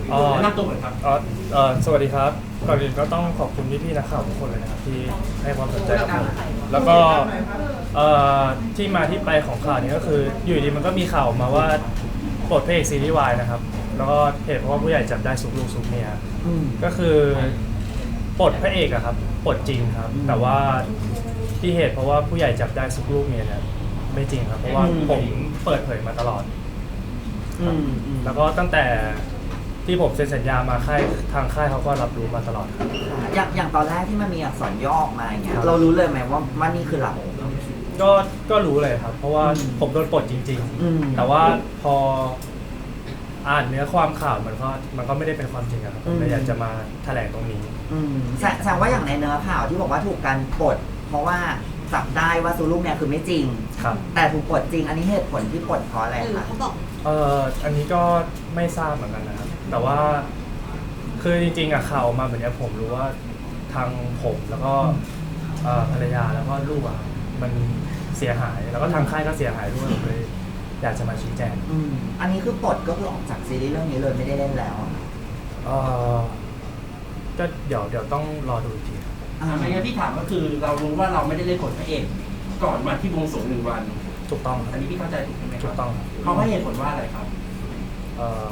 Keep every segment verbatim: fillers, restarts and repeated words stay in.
อ๋อแนะนำตัวหน่อยครับอ๋อเอ่อสวัสดีครับก่อนอื่นก็ต้องขอบคุณพี่ๆนักข่าวทุกคนเลยนะครับที่ให้ความสนใจกับผมแล้วก็เอ่อที่มาที่ไปของข่าวนี้ก็คืออยู่ดีมันก็มีข่าวออกมาว่าปลดพระเอกซีรีส์วายนะครับแล้วก็เหตุเพราะว่าผู้ใหญ่จับได้ซุกลูกซุกเมียก็คือปลดพระเอกอะครับปลดจริงครับแต่ว่าที่เหตุเพราะว่าผู้ใหญ่จับได้ซุกลูกเมียเนี่ยไม่จริงครับเพราะว่าผมเปิดเผยมาตลอดครับแล้วก็ตั้งแต่ที่ผมเซ็นสัญญามาค่ายทางค่ายเขาก็รับรู้มาตลอดครับอย่างอย่างตอนแรกที่มันมีอักษรย่อออกมาอย่างเงี้ยเรารู้เลยไหมว่าว่านี่คือเราก็ก็รู้เลยครับเพราะว่าผมโดนปลดจริงๆแต่ว่าพออ่านเนื้อความข่าวมันก็มันก็ไม่ได้เป็นความจริงครับผมเลยอยากจะมาแถลงตรงนี้แสดงว่าอย่างในเนื้อข่าวที่บอกว่าถูกการปลดเพราะว่าจับได้ว่าซูลูกเนี่ยคือไม่จริงครับแต่ถูกปลดจริงอันนี้เหตุผลที่ปลดเพราะอะไรคะเขาบอกเอ่ออันนี้ก็ไม่ทราบเหมือนกันนะครับแต่ว่าคือจริงๆอะข่าวออกมาแบบนี้ผมรู้ว่าทางผมแล้วก็ภรรยาแล้วก็ลูกอะมันเสียหายแล้วก็ทางค่ายก็เสียหายด้วยเลยอยากจะมาชี้แจงอันนี้คือปลดก็คือออกจากซีรีส์เรื่องนี้เลยไม่ได้เล่นแล้วเออก็เดี๋ยวเดี๋ยวต้องรอดูอีกทีไม่งั้นที่ถามก็คือเรารู้ว่าเราไม่ได้เล่นบทพระเอกก่อนมาที่วงสวงหนึ่งวันถูกต้องอันนี้พี่เข้าใจถูกไหมครับถูกต้องเขาให้เหตุผลว่าอะไรครับเออ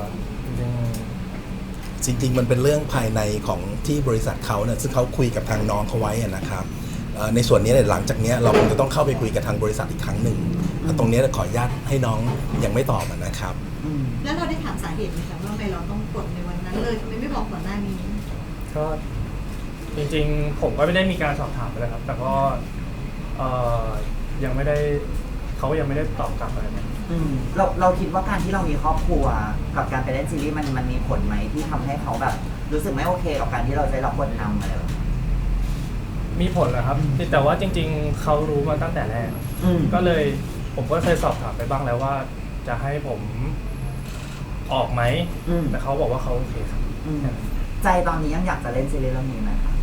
จริงจริงๆมันเป็นเรื่องภายในของที่บริษัทเขาเนี่ยซึ่งเขาคุยกับทางน้องเขาไว้นะครับในส่วนนี้เนี่ยหลังจากนี้เราคงจะต้องเข้าไปคุยกับทางบริษัทอีกครั้งหนึ่งตรงนี้ขออนุญาตให้น้องยังไม่ตอบนะครับแล้วเราได้ถามสาเหตุไหมคะว่าทำไมเราต้องกดในวันนั้นเลยทำไมไม่บอกก่อนหน้านี้ก็จริงๆผมก็ไม่ได้มีการสอบถามเลยครับแต่ก็ยังไม่ได้เขายังไม่ได้ตอบกลับอะไรนะเราเราคิดว่าการที่เรามีครอบครัวกับการไปเล่นซีรีส์มันมันมีผลไหมที่ทำให้เขาแบบรู้สึกไม่โอเคกับการที่เราจะรับบทนำอะไรแบบมีผลเหรอครับแต่ว่าจริงๆเขารู้มาตั้งแต่แรกก็เลยผมก็เคยสอบถามไปบ้างแล้วว่าจะให้ผมออกไหมแต่เขาบอกว่าเขาโอเคครับใจตอนนี้ยังอยากจะเล่นซีรีส์เรื่องนี้ไหมคะ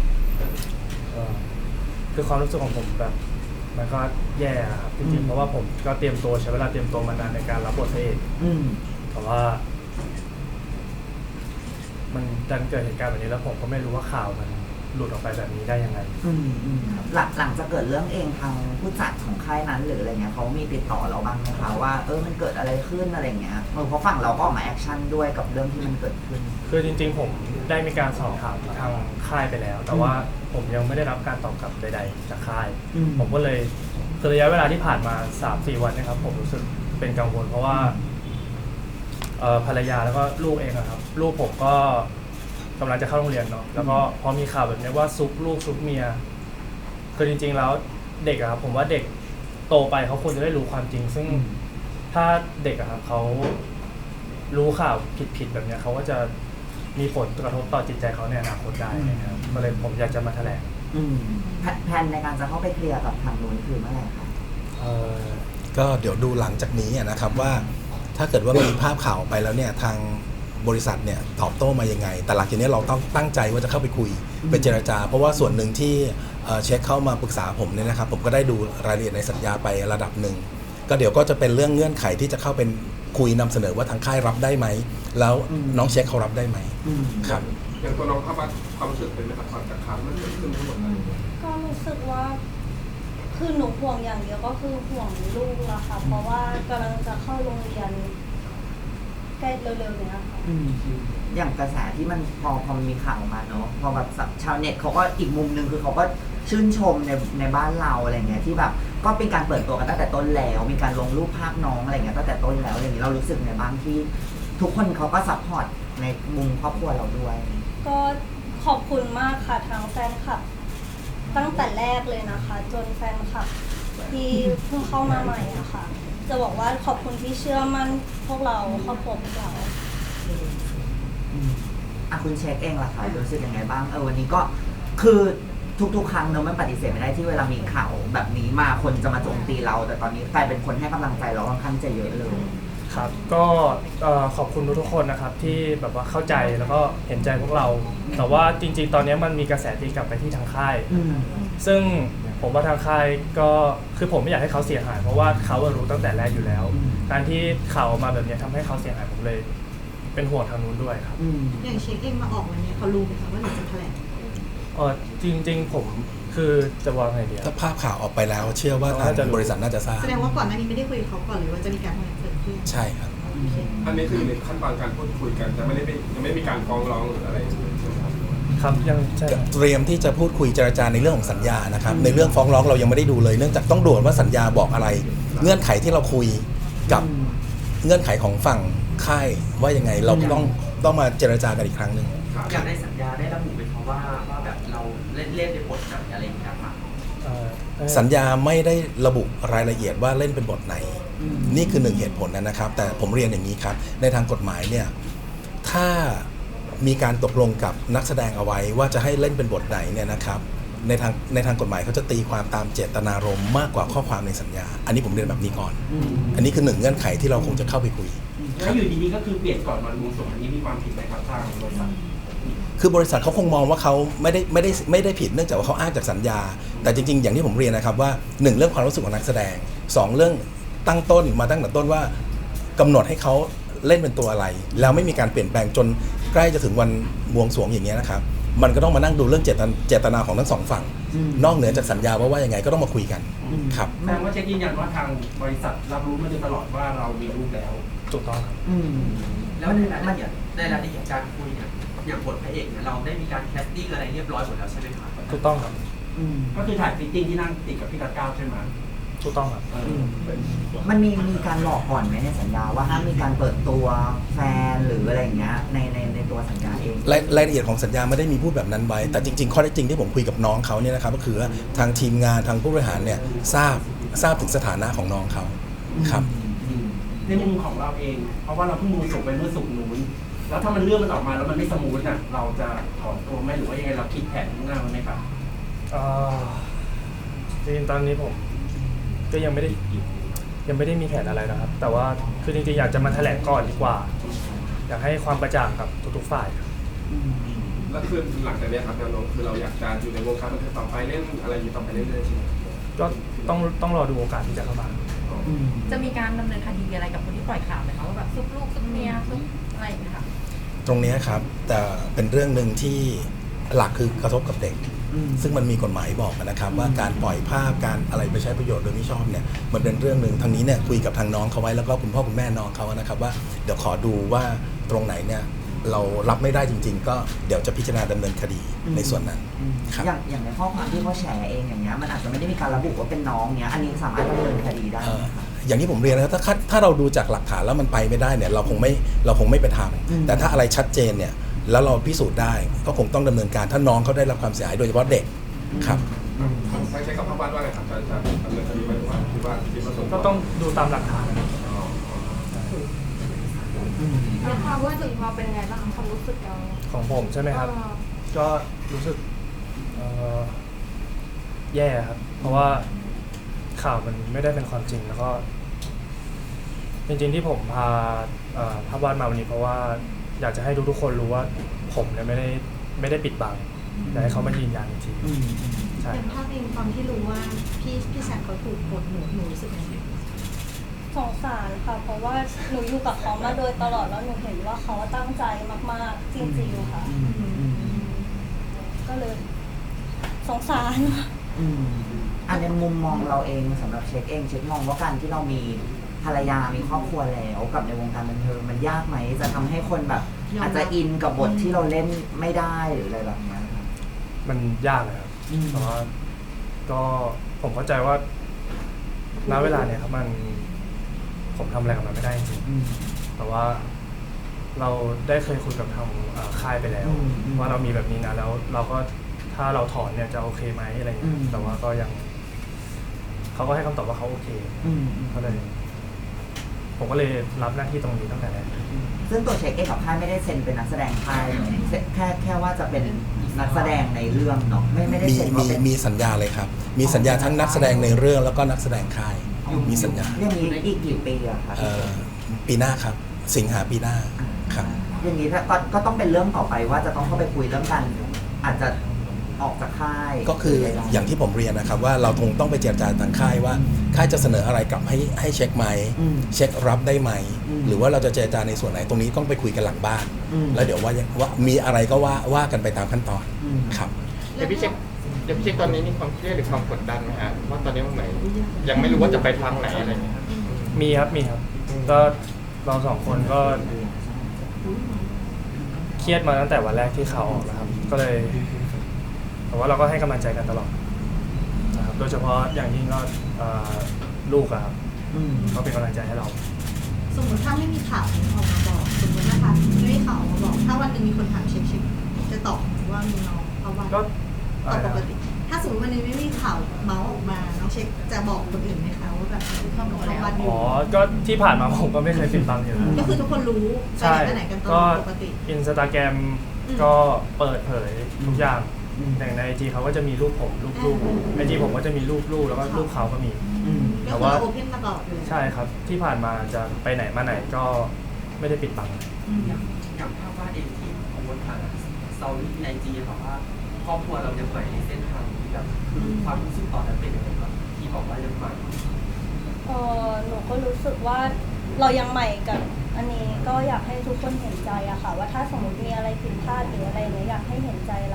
คือความรู้สึกของผมแบบมันก็แย่ครับจริงๆเพราะว่าผมก็เตรียมตัวใช้เวลาเตรียมตัวมานานในการรับบทพระเอกแต่ว่ามันดันเกิดเหตุการณ์แบบนี้แล้วผมก็ไม่รู้ว่าข่าวมันหลุดออกไปแบบนี้ได้ยังไงหลังหลังจะเกิดเรื่องเองทางผู้จัดของค่ายนั้นหรืออะไรเงี้ยเขามีติดต่อเราบ้างไหมคะว่าเออมันเกิดอะไรขึ้นอะไรเงี้ยเพราะฝั่งเราก็ออกมาแอคชั่นด้วยกับเรื่องที่มันเกิดขึ้นคือจริงๆผมได้มีการสอบถามทางค่ายไปแล้วแต่ว่าผมยังไม่ได้รับการตอบกลับใดๆจากค่ายผมก็เลยคือระยะเวลาที่ผ่านมา สามสี่ วันนะครับผมรู้สึกเป็นกังวลเพราะว่าภรรยาแล้วก็ลูกเองครับลูกผมก็กำลังจะเข้าโรงเรียนเนาะแล้วก็พอมีข่าวแบบนี้ว่าซุกลูกซุกเมียคือจริงๆแล้วเด็กอะครับผมว่าเด็กโตไปเขาควรจะได้รู้ความจริงซึ่งถ้าเด็กอะครับเขารู้ข่าวผิดๆแบบนี้เขาก็จะมีผลกระทบต่อจิตใจเขาในอนาคตได้นะครับก็เลยผมอยากจะมาแถลงแผนในการจะเข้าไปเคลียร์กับทางนู้นคือเมื่อไหร่คะก็เดี๋ยวดูหลังจากนี้นะครับว่าถ้าเกิดว่ามีภาพข่าวไปแล้วเนี่ยทางบริษัทเนี่ยตอบโต้มายังไงแต่หลังจากนี้เราต้องตั้งใจว่าจะเข้าไปคุยไปเจรจาเพราะว่าส่วนหนึ่งที่เช็คเข้ามาปรึกษาผมเนี่ยนะครับผมก็ได้ดูรายละเอียดในสัญญาไประดับหนึ่งก็เดี๋ยวก็จะเป็นเรื่องเงื่อนไขที่จะเข้าเป็นคุยนำเสนอว่าทางค่ายรับได้ไหมแล้วน้องเช็คเขารับได้ไหมครับอย่างตัวน้องเข้ามาความรู้สึกเป็นไหมครับความจากข่าวมันเกิดขึ้นทั้งหมดเลยก็รู้สึกว่าคือหนูห่วงอย่างเดียวก็คือห่วงลูกละค่ะเพราะว่ากำลังจะเข้าโรงเรียนใกล้เร็วๆเนี้ยค่ะอย่างกระแสที่มันพอพอมีข่าวมาเนาะพอแบบชาวเน็ตเขาก็อีกมุมนึงคือเขาก็ชื่นชมในในบ้านเราอะไรเงี้ยที่แบบก็เป็นการเปิดตัวกันตั้งแต่ต้นแล้วมีการลงรูปภาพน้องอะไรเงี้ยตั้งแต่ต้นแล้วอย่างนี้เรารู้สึกในบ้างที่ทุกคนเขาก็ซัพพอร์ตในมุมครอบครัวเราด้วยก็ขอบคุณมากค่ะทางแฟนคลับตั้งแต่แรกเลยนะคะจนแฟนคลับที่เพิ่งเข้ามาใหม่อะค่ะจะบอกว่าขอบคุณที่เชื่อมั่นพวกเราครอบครัวพวกเราอ่ะคุณเช็คเองล่ะคะรู้สึกยังไงบ้างเออวันนี้ก็คือทุกๆครั้งเนอะมันปฏิเสธไม่ได้ที่เวลามีข่าวแบบนี้มาคนจะมาโจมตีเราแต่ตอนนี้กลายเป็นคนให้กำลังใจเราค่อนข้างจะเยอะเลยครับก็ขอบคุณทุกๆคนนะครับที่แบบว่าเข้าใจแล้วก็เห็นใจพวกเราแต่ว่าจริงๆตอนนี้มันมีกระแสตีกลับไปที่ทางค่ายซึ่งผมว่าทางค่ายก็คือผมไม่อยากให้เขาเสียหายเพราะว่าเขารู้ตั้งแต่แรกอยู่แล้วการที่ข่าวออกมาแบบนี้ทำให้เขาเสียหายผมเลยเป็นห่วงทางนู้นด้วยครับอืมอย่างเช็คเองมาออกวันนี้เขารู้ไหมคะว่าหนูจะแถลงเออจริง ๆ ผมคือจะวางไงดีอะถ้าภาพข่าวออกไปแล้ว เชื่อว่าทางน่าจะรู้บริษัทน่าจะทราบแสดงว่าก่อนหน้านี้ไม่ได้คุยกับเขาก่อนเลยว่าจะมีการแถลงเกิดขึ้นใช่ครับโอเคอันนี้คืออยู่ในขั้นตอนการพูดคุยกันจะไม่ได้เป็นยังไม่มีการฟ้องร้องหรืออะไรใช่ไหมครับครับยังใช่ครับเตรียมที่จะพูดคุยเจรจาในเรื่องของสัญญานะครับในเรื่องฟ้องร้องเรายังไม่ได้ดูเลยเนื่องจากต้องดูว่าสัญญาบอกอะไร เงื่อนไขที่เราคุยกับเงื่อนไขของฝั่งค่ายว่ายังไงเราต้องต้องมาเจรจากันอีกครั้งหนึ่งอยากได้สัญญาได้ระบุไหมครับว่าว่าแบบเราเล่นเล่นในบทแบบอะไรอย่างเงี้ยครับเอ่อสัญญาไม่ได้ระบุรายละเอียดว่าเล่นเป็นบทไหน นี่คือหนึ่งเหตุผลนะครับ แต่ผมเรียนอย่างนี้ครับในทางกฎหมายเนี่ยถ้ามีการตกลงกับนักแสดงเอาไว้ว่าจะให้เล่นเป็นบทไหนเนี่ยนะครับในทางในทางกฎหมายเขาจะตีความตามเจตนารมณ์มากกว่าข้อความในสัญญา อันนี้ผมเรียนแบบนี้ก่อน อันนี้คือหนึ่งเงื่อนไขที่เราคงจะเข้าไปคุยแล้วอยู่ดีๆก็คือเปลี่ยนก่อนวันบวงสรวงอันนี้มีความผิดไหมครับทางบริษัทคือบริษัทเขาคงมองว่าเขาไม่ได้ไม่ได้ไม่ได้ผิดเนื่องจากว่าเขาอ้างจากสัญญา แต่จริงๆอย่างที่ผมเรียนนะครับว่าหนึ่งเรื่องความรู้สึกของนักแสดงสองเรื่องตั้งต้นมาตั้งแต่ต้นว่ากำหนดให้เขาเล่นเป็นตัวอะไร แล้วไม่มีการเปลี่ยนแปลงจนใกล้จะถึงวันบวงสรวงอย่างเงี้ยนะครับมันก็ต้องมานั่งดูเรื่องเจตนาเจตนาของทั้งสองฝั่ง นอกเหนือจากสัญญาว่าว่ายังไงก็ต้องมาคุยกันครับแสดงว่าเช็คยืนยันว่าทางบริษัทรับรู้มาโดยตลอดว่าเรามีลูกแล้วถูกต้องครับอืมแล้วในรายละเอียดในรายละเอียดการคุยเนี่ยอย่างบทพระเอกเนี่ยเราได้มีการแคสติ้งอะไรเรียบร้อยหมดแล้วใช่ไหมครับถูกต้องครับอืมก็คือถ่ายฟิตติ้งที่นั่งติดกับพี่กัดก้าวใช่ไหมถูกต้องครับเออเป็นมันมีมีการบอกก่อนไหมในสัญญาว่าห้ามมีการเปิดตัวแฟนหรืออะไรอย่างเงี้ยในในในตัวสัญญาเองรายรายละเอียดของสัญญาไม่ได้มีพูดแบบนั้นไว้ แต่จริงๆข้อเท็จจริงที่ผมคุยกับน้องเขาเนี่ยนะครับก็คือว่าทางทีมงานทางผู้บริหารเนี่ยทราบทราบถึงสถานะของน้องเขาครับในมุมของเราเอง เพราะว่าเราเพิ่งมูส่งไปเมื่อสุกร์นู้นแล้วถ้ามันเรื่องมันออกมาแล้วมันไม่สมูทน่ะเราจะถอนตัวไหมหรือว่ายังไงเราคิดแผนข้างหน้าไหมครับเอ่อจริงๆตอนนี้ผมก็ยังไม่ได้ยังไม่ได้มีแผนอะไรนะครับ แต่ว่าคือจริงๆอยากจะมาแถลงก่อนดีกว่า อยากให้ความกระจ่างกับทุกๆฝ่ายครับแล้วคือหลังจากเนี้ยครับแนวโน้มคือเราอยากจะอยู่ในวงการบันเทิงต่อไปเล่นอะไรอยู่ต่อไปเรื่อยๆใช่ไหมก็ต้องต้องรอดูโอกาสที่จะเข้ามาจะมีการดำเนินคดีอะไรกับคนที่ปล่อยข่าวไหมคะว่าแบบซุกลูกซุกเมียซุกอะไรอย่างเงี้ยค่ะตรงเนี้ยครับแต่เป็นเรื่องหนึ่งที่หลักคือกระทบกับเด็ก ซึ่งมันมีกฎหมายบอกนะครับว่าการปล่อยภาพการอะไรไปใช้ประโยชน์โดยไม่ชอบเนี่ยมันเป็นเรื่องหนึ่งทางนี้เนี่ยคุยกับทางน้องเขาไว้แล้วก็คุณพ่อคุณแม่น้องเขานะครับว่าเดี๋ยวขอดูว่าตรงไหนเนี่ยเรารับไม่ได้จริง ๆ ก็เดี๋ยวจะพิจารณาดำเนินคดีในส่วนนั้นครับอย่างอย่างในข้อความที่เขาแชร์เองอย่างเงี้ยมันอาจจะไม่ได้มีการระบุว่าเป็นน้องเนี้ยอันนี้สามารถดำเนินคดีได้เอ่ไหอมคะอย่างที่ผมเรียนนะครับถ้าถ้าเราดูจากหลักฐานแล้วมันไปไม่ได้เนี่ยเราคงไม่เราคงไม่ไปทอืมำแต่ถ้าอะไรชัดเจนเนี่ยแล้วเราพิสูจน์ได้ก็คงต้องดำเนินการถ้าน้องเขาได้รับความเสียหายโดยเฉพาะเด็กครับใช้ใช้กับภาพวาดว่าไงครับจะจะดำเนินคดีไหมหรือว่าคิดว่าคิดว่าส่วนวก็ต้องดูตามหลักฐานนะครับอ๋อแล้วความรู้สึกเราเป็นยังไงบ้างความรู้สึกเราของผมใช่ไหมครับ ก็รู้สึกเอ่อแย่ครับ เพราะว่าข่าวมันไม่ได้เป็นความจริงแล้วก็ จริงๆที่ผมพาเอ่อภาพวาดมาวันนี้เพราะว่าอยากจะให้ทุกๆคนรู้ว่าผมเนี่ยไม่ได้ไม่ได้ปิดบังอยากให้เขามายืนยันอีกทีอืมใช่เป็นครับภาพเองตอนที่รู้ว่าพี่พี่แซมเขาถูกกดหนูหนูรู้สึกยังไงสงสารค่ะ เพราะว่าหนูอยู่กับเขามาโดยตลอดแล้วหนูเห็นว่าเขาตั้งใจมากๆจริงๆค่ะ ก็เลยสงสารอืมอันในมุมมองเราเองสำหรับเช็คเองเช็คมองว่าการที่เรามีภรรยามีครอบครัวแล้วกับในวงการบันเทิงมันยากไหมจะทำให้คนแบบ อาจจะอินกับบทที่เราเล่นไม่ได้หรืออะไรแบบเนี้ยครับมันยากเลยครับอืมแต่ว่าก็ผมเข้าใจว่าณเวลาเนี่ยครับมันผมทำอะไรกับมันไม่ได้จริงอืมๆแต่ว่าเราได้เคยคุยกับทางเอ่อค่ายไปแล้วอืมอืมว่าเรามีแบบนี้นะแล้วเราก็ถ้าเราถอนเนี่ยจะโอเคไหมอะไรอย่างเงี้อืยมแต่ว่าก็ยังเขาก็ให้คำตอบว่าเขาโอเคอืมอืมก็เลย ผมก็เลยรับหน้าที่ตรงนี้ตั้งแต่แรกซึ่งตัวเช็คเองกับค่ายไม่ได้เซ็นเป็นนักแสดงค่ายเนอะเซ็นแค่แค่ว่าจะเป็นนักแสดงในเรื่องเนาะไม่ไม่ได้มีเซ็นมีว่าเป็นมีสัญญาเลยครับ มีสัญญาทั้งนักแสดงในเรื่องแล้วก็นักแสดงค่าย มีสัญญาเรื่องนี้อีกกี่ปีอะคะเอ่อปีหน้าครับ สิงหาปีหน้าครับอย่างนี้ถ้าก็ก็ต้องเป็นเรื่องต่อไปว่าจะต้องเข้าไปคุยเรื่องกันอาจจะออกจากค่ายก็คืออย่างที่ผมเรียนนะครับว่าเราคงต้องไปเจรจาทางค่ายว่าค่ายจะเสนออะไรกลับให้ให้เช็คไหมอืมเช็ครับได้ไหมอืมหรือว่าเราจะเจรจาในส่วนไหนตรงนี้ต้องไปคุยกันหลังบ้านอืมแล้วเดี๋ยวว่าว่ามีอะไรก็ว่าว่ากันไปตามขั้นตอนอืมครับเดี๋ยวพี่เช็คเดี๋ยวพี่เช็คตอนนี้มีความเครียดหรือความกดดันไหมฮะว่าตอนนี้มันเหมือนยังไม่รู้ว่าจะไปทางไหนอะไรอย่างเงี้ยครับมีครับมีครับก็เราสองคนก็เครียดมาตั้งแต่วันแรกที่ข่าวออกนะครับ ก็เลยแต่ว่าเราก็ให้กำลังใจกันตลอดนะครับโดยเฉพาะอย่างยิ่งก็เอ่อลูกอะครับอืมเขาเป็นกำลังใจให้เราสมมติถ้าไม่มีข่าวออกมาบอกสมมตินะคะไม่มีข่าวออกมาบอก ถ้าวันหนึ่งมีคนถามเช็คเช็คจะตอบว่ามีน้องเพราะว่าก็ตอบปกติ ถ้าสมมติวันนี้ไม่มีข่าวเมาส์ออกมาน้องเช็คจะบอกคนอื่นไหมคะว่าแบบเข้ามาเข้าวัดอยู่อ๋อก็ที่ผ่านมาผมก็ไม่เคยปิดบังอยู่แล้วก็คือทุกคนรู้ไปใช่ไหนไปไหนกันตลก็อดปกติอินสตาแกรมอืมก็เปิดเผยทุกอย่างอืมอย่างในไอจีเขาก็จะมีรูปผมรูปลูกไอจีผมก็จะมีรูปลูกแล้วก็รูปเขาก็มีอืมก็คือเราโอเพนมาตลอดเลยใช่ครับที่ผ่านมาจะไปไหนมาไหนก็ไม่ได้ปิดบังอืมอย่างอย่างภาพวาดเองที่โพสต์ผ่านสตอรี่ในไอจีบอกว่าครอบครัวเรายังใหม่ในเส้นทางนี้แบบคือความรู้สึกตอนนั้นเป็นยังไงบ้างที่บอกว่ายังใหม่เออหนูก็รู้สึกว่าเรายังใหม่กับอันนี้ก็อยากให้ทุกคนเห็นใจอะค่ะ ว่าถ้าสมมติมีอะไรผิดพลาดหรืออะไรเนี้ยอยากให้เห็นใจเรา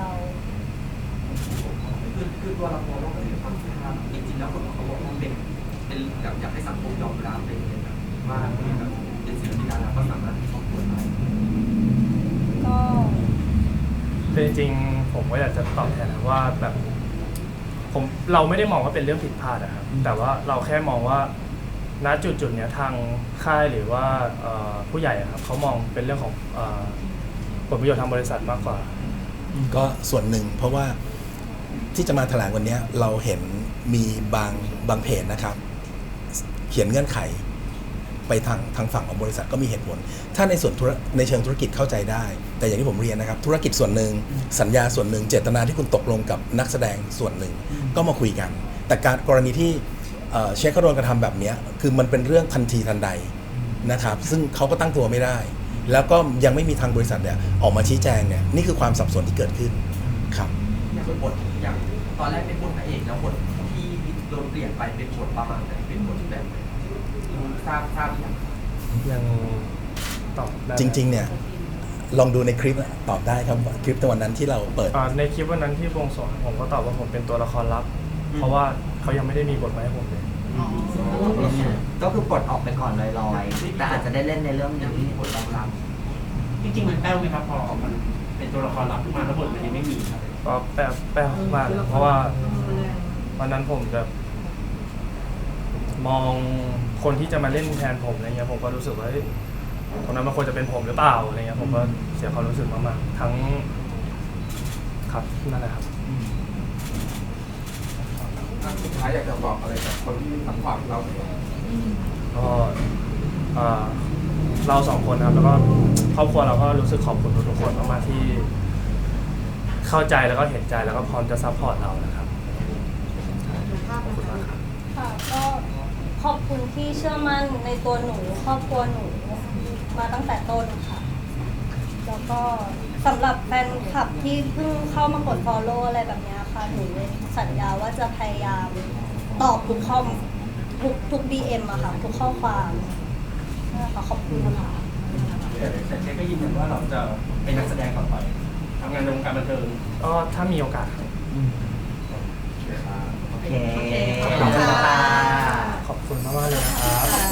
คือคือตัวเรามองว่ามันเป็นความผิดพลาดจริงๆแล้วคนเขาบอกว่าเป็นเป็นแบบอยากให้สังคมยอมรับเป็นแบบว่าแบบเป็นศิลปินดาราก็สามารถมีครอบครัวได้ก็คือจริงๆผมก็อยากจะตอบแทนนะว่าแบบผมเราไม่ได้มองว่าเป็นเรื่องผิดพลาดอะครับแต่ว่าเราแค่มองว่าณจุดจุดๆเนี้ยทางค่ายหรือว่าเอ่อผู้ใหญ่อะครับเขามองเป็นเรื่องของเอ่อผลประโยชน์ทางบริษัทมากกว่าก็ส่วนหนึ่งเพราะว่าที่จะมาแถลงวันนี้เราเห็นมีบางบางเพจนะครับ เขียนเงื่อนไขไปทางทางฝั่งของบริษัทก็มีเหตุผล ถ้าในส่วนธุระในเชิงธุรกิจเข้าใจได้ แต่อย่างที่ผมเรียนนะครับธุรกิจส่วนหนึ่งสัญญาส่วนหนึ่งเจตนาที่คุณตกลงกับนักแสดงส่วนหนึ่งก็มาคุยกัน แต่การกรณีที่เอ่อเช็คเขาโดนกระทำแบบเนี้ยคือมันเป็นเรื่องทันทีทันใดนะครับซึ่งเขาก็ตั้งตัวไม่ได้ แล้วก็ยังไม่มีทางบริษัทเนี่ยออกมาชี้แจงเนี่ยนี่คือความสับสนที่เกิดขึ้นครับอย่างบทอย่างตอนแรกเป็นบทพระเอกแล้วบทที่โดนเปลี่ยนไปเป็นบทประมาณไหนเป็นบทแบบไหนรู้ทราบทราบหรือยังยังตอบได้จริงๆเนี่ยลองดูในคลิปอะตอบได้ครับว่าคลิปในวันนั้นที่เราเปิดอ่าในคลิปวันนั้นที่บวงสรวงผมก็ตอบว่าผมเป็นตัวละครลับ เพราะว่าเขายังไม่ได้มีบทมาให้ผมเลยก็คือปลดออกไปก่อนลอยๆ แต่อาจจะได้เล่นในเรื่องยังนี้มีบทรองรับจริงๆมันแป้วไหมครับพอมันเป็นตัวละครลับขึ้นมาแล้วบทมันยังไม่มีครับก็แปลแปลมากเลยเพราะว่าวันนั้นผมจะมองคนที่จะมาเล่นแทนผมอะไรเงี้ยผมก็รู้สึกว่าเฮ้ยคนนั้นมันควรจะเป็นผมหรือเปล่าอะไรเงี้ยผมก็เสียความรู้สึกมากๆทั้งครับนั่นแหละครับสุดท้ายอยากจะบอกอะไรกับคนที่ทำความเราเนี่ยก็เอ่อเราสองคนครับแล้วก็ครอบครัวเราก็รู้สึกขอบคุณทุกๆคนมากๆที่เข้าใจแล้วก็เห็นใจแล้วก็พร้อมจะซัพพอร์ตเรานะครับขอบคุณมากครับค่ะก็ขอบคุณที่เชื่อมั่นในตัวหนูครอบครัวหนูมาตั้งแต่ต้นค่ะ แล้วก็สำหรับแฟนคลับที่เพิ่งเข้ามากด follow อะไรแบบเนี้ยค่ะหนูสัญญาว่าจะพยายามตอบทุกข้อมทุกทุก ดี เอ็ม อะค่ะ ทุกข้อความนะคะขอบคุณนะคะแต่เจ๊ก็ยืนยันว่าเราจะเป็นนักแสดงต่อไปทำงานในวงการบันเทิงก็ถ้ามีโอกาสครับโอเค ขอบคุณค่ะขอบคุณมากๆเลยนะครับ